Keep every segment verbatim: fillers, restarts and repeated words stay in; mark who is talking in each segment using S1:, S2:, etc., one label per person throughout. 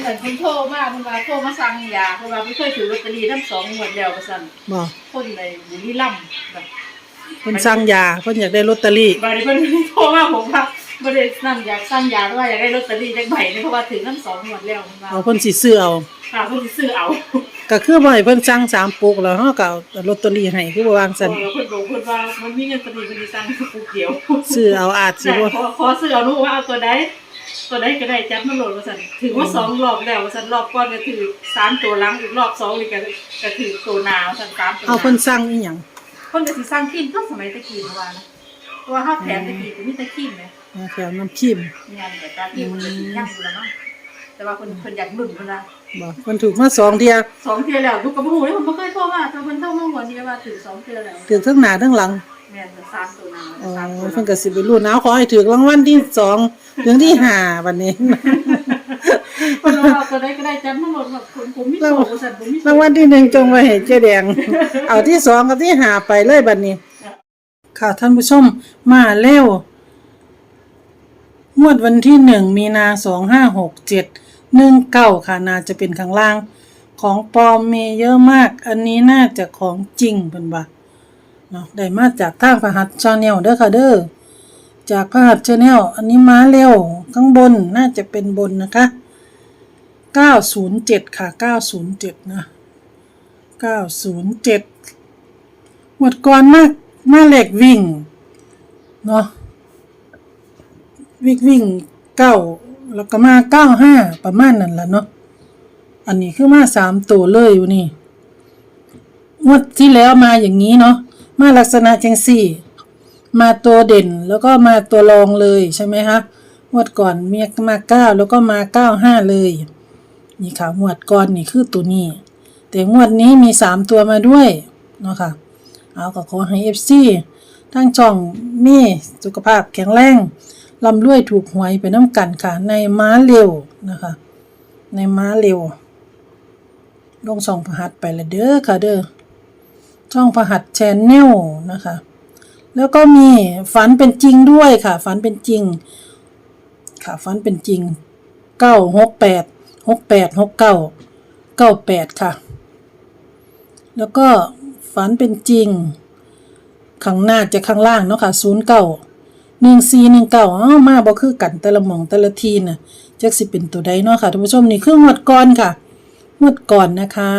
S1: เหมือนคนโทรมาคนว่าโทรมาสั่งยาคนว่าไม่เคยถือลอตเตอรี่ทั้งสองงวดแล้วว่าซั่นบ่คนในบุรีรัมย์แบบ
S2: เพิ่นสั่งยาเพิ่นอยากได้ลอตเตอรี่
S1: บัดนี้เพิ่นโทรมาผมว่าบ่ได้นั่นอยากสั่งยาว่าอยากได้ลอตเตอรี่จักใบนึงเพราะว่าถือทั้งสองงวดแล้วว่า
S2: เอาเพิ่นสิซื้อเอา
S1: ค่ะเพิ่นสิซื้อเอา
S2: ก็คือบ่ให้เพิ่นสั่งสามปุกแล้วเฮาก็เอาลอตเตอรี่ให้คือบ่วางซั่น
S1: เออเพิ่นบอกเพิ่นว่ามันมีเงินพอดีเพิ่นสิสั่งปุกเดียว
S2: ซื้อเอาอาจสิบ่
S1: ขอขอซื้อเอาหนูว่าเอาตัวใดตัวใดก็ได้จับมาโหลดว่าซั่นถือว่าสองรอบแล้วว่าซั่นรอบก่อนก็ถือสามตัวหลังอีกรอบสองนี่ก็ก็ถือตัวหน้าว่าซั่นสามตัว
S2: เอาเพิ่นสั่งอีหยัง
S1: เพิ่นก็สิสั่งครีมก็สมัยตะกี้เมื่อวานนะเพราะว่าเฮาแถมตะกี้ก็มีแต่ครีมแหม
S2: แถมน้ำครีม
S1: งานแต่ตาครีมมันก็สิยังอยู่แล้วเนาะแต่ว่าเพิ่นเพิ่นอยากลุ้นเพิ่นว่า
S2: บ่เพิ่นถูกมาสองเที่ย
S1: สองเที่ยแล้วลูกก็บ่ฮู้เลยเพิ่นบ่เคยโทรมาแต่เพิ่นโทรมาวันนี้ว่าถือสองเที่ยแล้ว
S2: ถูกทั้งหน้าทั้งหลัง
S1: แม่นสามตัวหน้า
S2: อ๋อ
S1: สามตัว
S2: เพิ่นก็สิไปลุ้นเอาขอให้ถูกรางวัลที่สองถึงที่ห้าบัดนี้
S1: เพิ่นว่าตัวใดก็ได้จับมาโหลดแบบผมผมมีโชคว่าซั่นผมมี
S2: รางวัลที่หนึ่งจงไว้ให้เจ๊แดงเอาที่สองกับที่ห้าไปเลยบัดนี้ค่ะท่านผู้ชมมาเร็วงวดวันที่หนึ่งมีนาสองห้าหกเจ็ดหนึ่งเก้าค่ะน่าจะเป็นข้างล่างของปลอมมีเยอะมากอันนี้น่าจะของจริงเพิ่นว่าเนาะได้มาจากทางพหัส Channel เด้อค่ะเด้อจากพหัส Channel อันนี้มาเร็วข้างบนน่าจะเป็นบนนะคะเก้าศูนย์เจ็ดค่ะเก้าศูนย์เจ็ดนะเก้าศูนย์เจ็ดหมดก่อนมากมาเลขวิ่งเนาะวิ่งวิ่งเก้าแล้วก็มาเก้าห้าประมาณนั้นล่ะเนาะอันนี้คือมาสามตัวเลยอยู่นี่งวดที่แล้วมาอย่างนี้เนาะมาลักษณะจังสี่มาตัวเด่นแล้วก็มาตัวรองเลยใช่ไหมคะงวดก่อนมีมาเก้าแล้วก็มาเก้าห้าเลยนี่ค่ะงวดก่อนนี่คือตัวนี้แต่งวดนี้มีสามตัวมาด้วยเนาะค่ะเอาก็ขอให้ เอฟ ซี ทั้งช่องมีสุขภาพแข็งแรงร่ำรวยถูกหวยไปน้ำกันค่ะในม้าเร็วนะคะในม้าเร็วลงช่องพหัสไปละเด้อค่ะเด้อช่องพหัส Channel นะคะแล้วก็มีฝันเป็นจริงด้วยค่ะฝันเป็นจริงค่ะฝันเป็นจริงเก้าหกแปด หกแปด หกเก้า เก้าแปดค่ะแล้วก็ฝันเป็นจริงข้างหน้าจะข้างล่างเนาะค่ะศูนย์เก้า หนึ่งสี่ หนึ่งเก้าอ้อมาบ่คือกันแต่ละหม่องแต่ละทีน่ะจักสิเป็นตัวใดเนาะค่ะท่านผู้ชมนี่คืองวดก่อนค่ะงวดก่อนนะคะ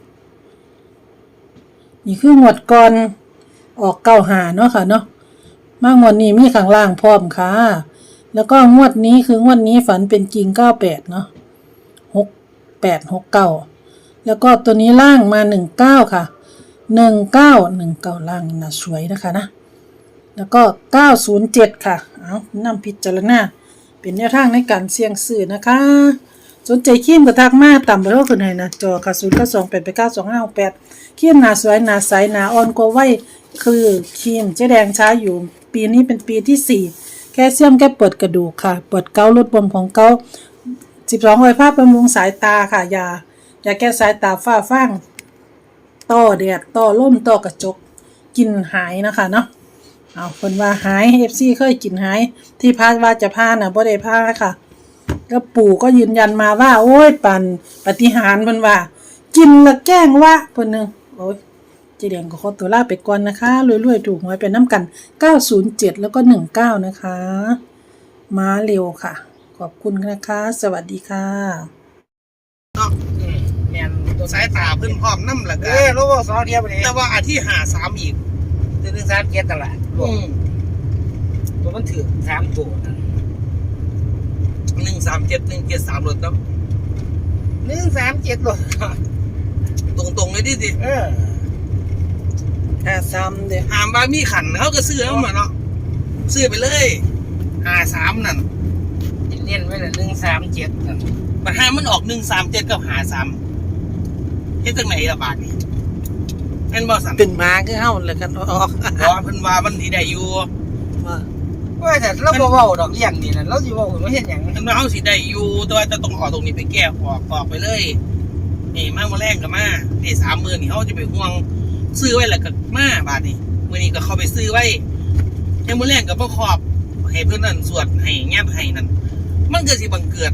S2: นี่คืองวดก่อนออกเก้าห้าเนาะค่ะเนาะมางวดนี้มีข้างล่างพร้อมค่ะแล้วก็งวดนี้คืองวดนี้ฝันเป็นจริงเก้าแปดเนาะหกแปด หกเก้าแล้วก็ตัวนี้ล่างมาหนึ่งเก้าค่ะหนึ่งเก้า หนึ่งเก้าล่างน่าสวยนะคะนะแล้วก็เก้าศูนย์เจ็ดค่ะเอานำพิจารณาเป็นแนวทางในการเสี่ยงซื้อนะคะสนใจครีมก็ทักมาต่ำเบอร์ขึ้นให้นะจอค่ะศูนย์ เก้า สอง แปด แปด เก้า สอง ห้า หก แปดครีมหน้าสวยหน้าใสหน้าอ่อนกว่าวัยคือครีมเจ๊แดงใช้อยู่ปีนี้เป็นปีที่สี่แคลเซียมแก้ปวดกระดูกค่ะปวดเกาต์ลดบวมของเกาต์สิบสองไวภาพบำรุงสายตาค่ะยายาแก้สายตาฝ้าฟางต้อแดดต้อลมต้อกระจกกินหายนะคะเนาะเอาคนว่าหาย เอฟ ซี เคยกินหายที่พาว่าจะพาน่ะบ่ได้พาค่ะแล้วปู่ก็ยืนยันมาว่าโอ้ยปันปฏิหารย์เพิ่นว่ากินละแกล้งวะเพิ่นนึงโอ้ยเจ๊แดงก็ขอตัวลาไปก่อนนะคะรวยๆถูกหวยไปน้ำกันเก้าศูนย์เจ็ดแล้วก็หนึ่งเก้านะคะมาเร็วค่ะขอบคุณนะคะสวัสดีค่ะ
S3: เนาะอืมแม่นตัวสายตาเพิ่นพร้อมนำล่ะก็
S4: เอ้รู้ว่าสองเทียบนี่
S3: แต่ว่าอาที่ห้าสามอีก
S4: หนึ่งสามเจ็ดตลาด
S3: อืม
S4: ตัวมันถือสามตัวนั่น
S3: หนึ่งสามเจ็ด หนึ่งเจ็ดสามรถเนาะ
S4: หนึ่งสามเจ็ดรถ
S3: ตรงๆเลยดิสิ
S4: เออ
S2: ห้าสามเด้อ
S3: หามว่ามีขันเขาก็ซื้อเอามาเนาะซื้อไปเลยห้าสามนั่น
S4: เน้นไว้ละหนึ่งสามเจ็ดนั่น
S3: บัดห้ามันออกหนึ่งสามเจ็ดกับห้าสามเฮ็ดจังไหนล่ะบาดนี้แม่นบ่สั่น
S2: เป็นมาคือเฮาเลยกันออก
S3: บ่เพิ่นว่ามันสิได้อยู่
S2: ว่า
S4: ว่าแต่เราบ่เว้าดอกเลี้ยงนี่น่ะเราสิเว้าว่าเฮ็ดหยัง
S3: เพิ่นว่าเฮาสิได้อยู่แต่ว่าจะต้องเอาตรงนี้ไปแก้ออกออกไปเลยนี่มามื้อแรงก็มานี่ สามหมื่นนี่เฮาจะไปห่วงซื้อไว้แล้วก็มาบาดนี้มื้อนี้ก็เข้าไปซื้อไว้ยังมื้อแรงก็บ่ครอบให้เพิ่นนั่นสวดให้แงบให้นั่นมันก็สิบังเกิด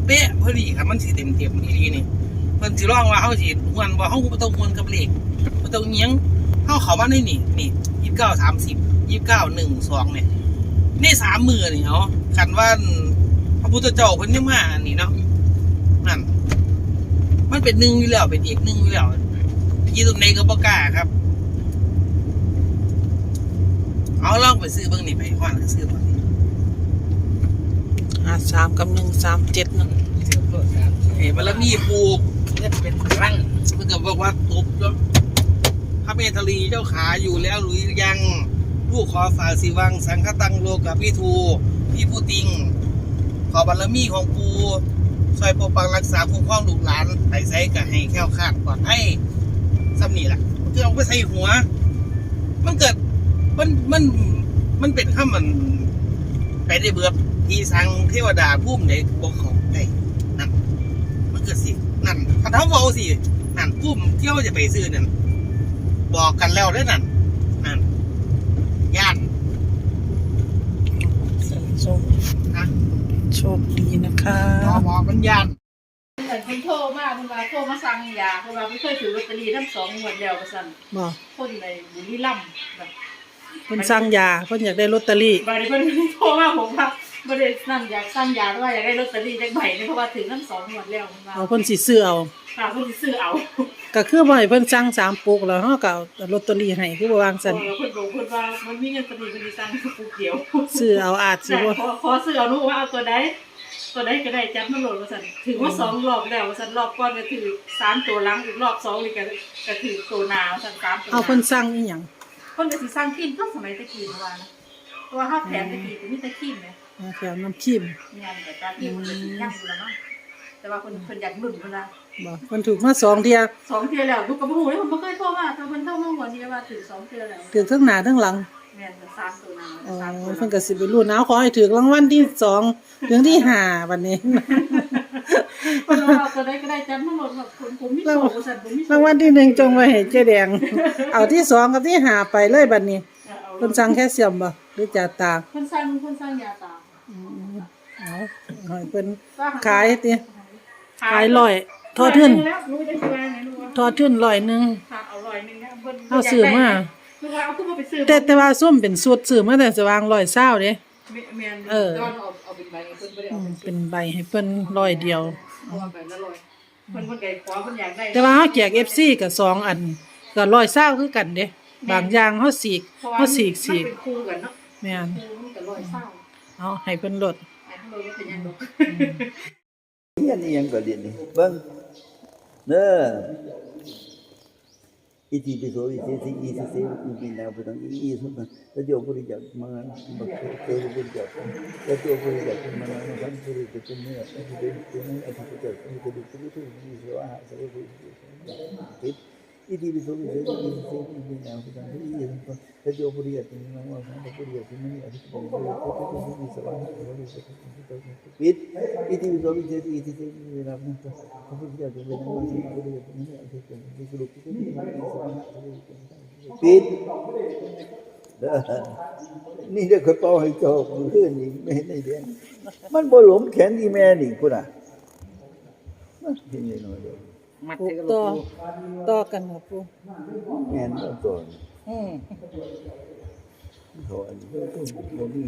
S3: เป๊ะพอดีครับมันสิเต็มเต็มอีหลีนี่เพิ่นสิร้องว่าเฮาสิม่วนบ่เฮาบ่ต้องม่วนกับเลขบ่ต้องเอียงเฮาเข้ามาในนี่นี่ยี่สิบเก้า สามสิบ ยี่สิบเก้า หนึ่ง สองเนี่ยในสามมื้อนี่เนาะคันว่าพระพุทธเจ้าเพิ่นยังมาอันนี้เนาะนั่นมันเป็นหนึ่งอยู่แล้วเป็นอีกหนึ่งอยู่แล้วที่ตรงไหนก็บ่กล้าครับเอาลองไปซื้อเบิ่งนี่ไปฮ้อนก็ซื้อบ่นี่
S2: อ่าสามกับหนึ่งสามเจ็ดนั่น
S3: เอ้บารมีปลูก
S4: เงินเป็นครั้ง
S3: เพิ่นก็บอกว่าตบแล้วพระเมธลีเจ้าขาอยู่แล้วหรือยังลูกขอฝากสิวังสังฆตังโลกับพี่ทูพี่ผู้ติงขอบารมีของปูช่วยปกปักรักษาคุ้มครองลูกหลานไปใส่ก็ให้แคล้วคลาดปลอดภัยซ้ำนี่แหละคือเอาไปใส่หัว มันเกิดมันมันมันเป็นข้ามันไปได้เบือบที่สังเทวดาพุ่มในบอกเขาได้นั่นมันเกิดสินั่นพันธะเวาสินั่นพุ่มเที่ยวจะไปซื้อนั่นบอกกันแล้วได้นั่นนั่นย่าน
S2: โชค
S3: นะ
S2: โชคดีนะคะ
S3: บอกบอกมันย่าน
S1: เหมือนคนโทรมาเพิ่นว่าโทรมาสั่งยาเพราะว่าไม่เคยถือลอตเตอรี่ทั้งสองงวดแล้วว่าซั่น
S2: บ่
S1: คนในบุรีรัมย์แบบ
S2: เพิ่นสั่งยาเพิ่นอยากได้ลอตเตอรี่
S1: บางทีเพิ่นโทรมาผมว่าบ่ได้นั่นอยากสั่งยาแต่ว่าอยากได้ลอตเตอรี่จักใบนึงเพราะว่าถือทั้งสองงวดแล้วเพิ่นว่า
S2: เอาเพิ่นสิซื้อเอา
S1: ฝากเพิ่นสิซื้อเอา
S2: ก็คือบ่ให้เพิ่นสั่งสามปุกแล้วเฮาก็เอาลอตเตอรี่ให้คือบ่วาง
S1: เอ
S2: ซั่น
S1: อเพิ่นบอกเพิ่นว่ามันมีเงินพอดีเพิ่นสิสั่งปุ๊บเดียว
S2: ซื้อเอาอาจสิ
S1: แต่
S2: บ่
S1: ขอขอซื้อเอาหนูว่าเอาตัวใดตัวใดก็ได้จับมาโหลดว่าซั่นถือว่าสองรอบแล้วว่าซั่นรอบก่อนก็ถือสามตัวหลังอีกรอบสองนี่ก็ก็ถือตัวหน้าว่าซั่นสามตัวห
S2: เอา
S1: น้า
S2: เพิ่นสั่งอีหยัง
S1: เพิ่นก็สิสร้างครีมก็สมัยตะกี้เมื่อวานนะเพราะว่าเฮาแถมตะกี้ก็มีแต่ครีมแหม
S2: เอาแถวน้ำครีม
S1: งานแต่ตาครีมมันก็สิยังอยู่แล้วเนาะแต่ว่าเพิ่นเพิ่นอยากรุ่นเพิ่นว่า
S2: บ่เพิ่นถูกมาสองเที่ย
S1: สองเทื่อแล้วลูกก็บ่ฮู้เลยเพิ่นบ่เคยโทรมาแต่เพิ่นโทรมาวันนี้ว่าถือสองเทื่อแล้ว
S2: ถูกทั้งหน้าทั้งหลัง
S1: แม่นสามตัวหน้า
S2: อ๋อ
S1: สามตัวห
S2: เพิ่น
S1: ลัง
S2: ก็สิไปรุ่นเอาขอให้ถูกรางวัลที่สองถึงที่ห้าบัดนี้
S1: เพิ่นว่าเอาตัวใดก็ได้จับมาโหลดแบบผมผมมีโชคว่าซั่นผมมีโชค
S2: รางวัลที่หนึ่งจงไว้ให้เจ๊แดง เอาที่สองกับที่ห้าไปเลยบัดนี้
S1: เอา
S2: เพิ่นสั่งแค่เสียมบ่หรือจ่าตา
S1: เพิ่นสร้างเพิ่นสร้างยาตา
S2: เอาให้เพิ่นขายติ
S1: ขา
S2: ขายร้อยทอดทึ่น
S1: แล้วหนูจะสิว่าไงหนูว่า
S2: ทอดทึ่นร้อยหนึง
S1: ค่ะเอาร้อยหนึงนะเพิ่น
S2: เอาซื้อมา
S1: หนูว่าเอาขึ้นมาไปซื้อ
S2: แต่แต่ว่าส้มเป็นสูตรซื้อมาแต่สว่างร้อยเศร้าเด้
S1: แม่น
S2: เออ
S1: ตอนเอาเอาเป็นใบเพิ่นบ่ได้
S2: อื
S1: เอา
S2: ม
S1: เป็น
S2: เป็นใบให้เพิ่นร้อยเดียว
S1: เอาใบละร้อยเพิ่นเพิ่นไก่ขอเพิ่นอยากได้
S2: แต่ว่าเฮาแจก เอฟ ซี ก็สองอันก็ร้อยเศร้าคือกันเด้บางอย่างเฮาสีก
S1: เพราะว่า
S2: เฮาสีกสี
S1: มัน
S2: ก
S1: เป็นคู่กันเนาะ
S2: แม่น
S1: คู่มันก็ร้อยเศร้า
S2: เอาให้เพิ่นลด
S1: ไอ้ทั้งโลกเป็นหยังดอก
S5: เฮียนอีหยังก็เรียนนี่เบิ่งเด้ออิติปิโสวิเศษสิอิสิเสอุปินาพุทธังอิอิสุตังตะโยปุริจักมังบักเตรุปุริจักตะโยปุริจักมังสัมปุริจักเนออธิเดชเนออธิเดชเนออธิเดชเนออธิเดชเนอสวะหะสวะปุริจิตอิติปิโสวิเศษสิอิสิเสอุปินาพุทธังอิอิสุตังตะโยปุริจักมังสัมปุริจักเนออธิเดชเนออธิเดชเนอสวะหะสวะปุริจิตปิดอิติปิโสวิเศษสิอิสิเสอุปินาพุทธังพระพุทธเจ้าจะเป็นนามสิปุริจักเนออธิเดชเนอสรุปที่นี่มันสวะหะสวะปุริจิตปิดเด้อนี่เด้อคนเป่าให้เจ้ามือขึ้นนี่ไม่เห็นได้เรียนมันบ่หลมแขนอีแม่นี่พุ่นน่ะมันเห็นได้น้อยเดียว
S3: มัด
S2: ปลู
S3: ให้
S2: ก
S3: กับ
S2: ต่อ
S3: ลูก
S2: ต่อกันครับปู
S5: แม่นบ่ตัว
S2: อืม
S5: เขาอันนี้บ่มี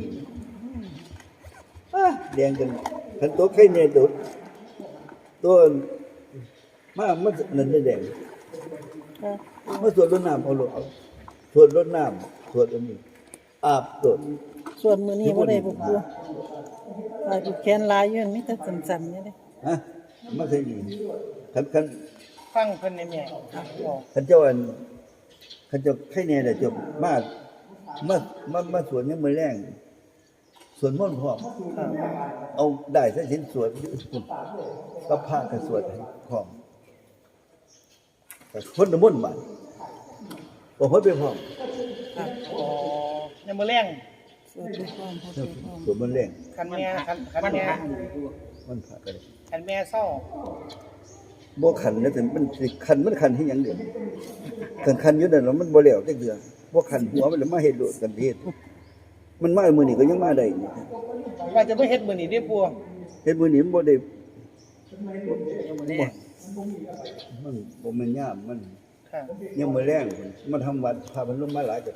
S5: อ่ะแดงกันคันโตไข่ใหญ่โดดตัวมามันนั่นได้แดง
S2: ค่ะ
S5: มาสวดรดน้ำเอาลูกเอาสวดรดน้ำสวดอันนี้อาบสวด
S2: ส่วนมื้อนี้บ่ได้ปูปูลายผูกแขนลายอยู่มีแต่สั้นๆนี่เด้
S5: ฮะมาใส่นี่คันคัน
S3: ฟังเพิ่นในแม่ครับบอก
S5: ขันเจ้าอันขันเจ้าไข่แน่แต่จบมามามามาสวนยังมือแรงสวนม่อนต์พร้อมเอาได้ซะเห็นสวนก็พากันสวดให้พร้อมแต่คนละม่อนต์มาบ่ฮอดไปพร้อม
S3: ครับอ๋อยังมื้อแรง
S2: ส่วนด้วยความเข้าใจความ
S5: สวนมันแรง
S3: คันแม่คันคันแม่
S5: มันพากัน
S3: คันแม่เศร้า
S5: บ่ขันนะแต่มันสิขันมันขันที่หยังเด้คันขันอยู่นั่นแล้วมันบ่แล้วจักเดือบ่ขันหัวมันแล้วมาเฮ็ดโลดกันเฮ็ดมันมามื้อนี้ก็ยังมาได้นี่
S3: ว่าจะบ่เฮ็ดมื้อนี้เด้อปู่
S5: เฮ็ดมื้อนี้มันบ่ได้
S4: ยังบ่แน่
S5: มันบ่แม่นยามมัน
S4: ค่ะ
S5: ยังมื้อแรงพุ่นมาทำวัดพามันลงมาหลายก็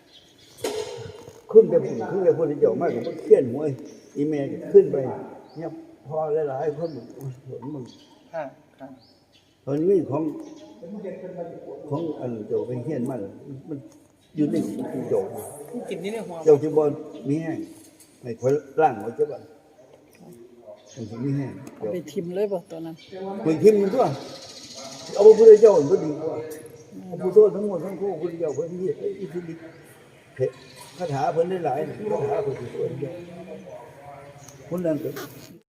S5: ขึ้นไปพุ่นขึ้นไปพุ่นเจ้ามาก็บ่เขียนหัวอีแม่ก็ขึ้นไปเนี่ยพอหลายๆคนมันมัน
S4: ค่ะค่ะ
S5: ตอนนี้ของของอันเจ้าไปเขียนมันมันอยู่ในเจ้า
S4: กินนี่ในหัว
S5: เจ้าจะบ่มีแห้งให้คนร่างว่าจะบ่มันสิมีแห้งเจ้า
S2: ไปทิมเลยบ่ตอนนั้น
S5: คุยทิมมันตัวเอาพระพุทธเจ้ามันบ่ดีกว่าพระพุทธเจ้าทั้งหมดทั้งคู่พระพุทธเจ้าเพิ่นมีอิทธิฤทธิ์เพชรคาถาเพิ่นหลายๆคาถาเพิ่นสวยๆคนนั้นก็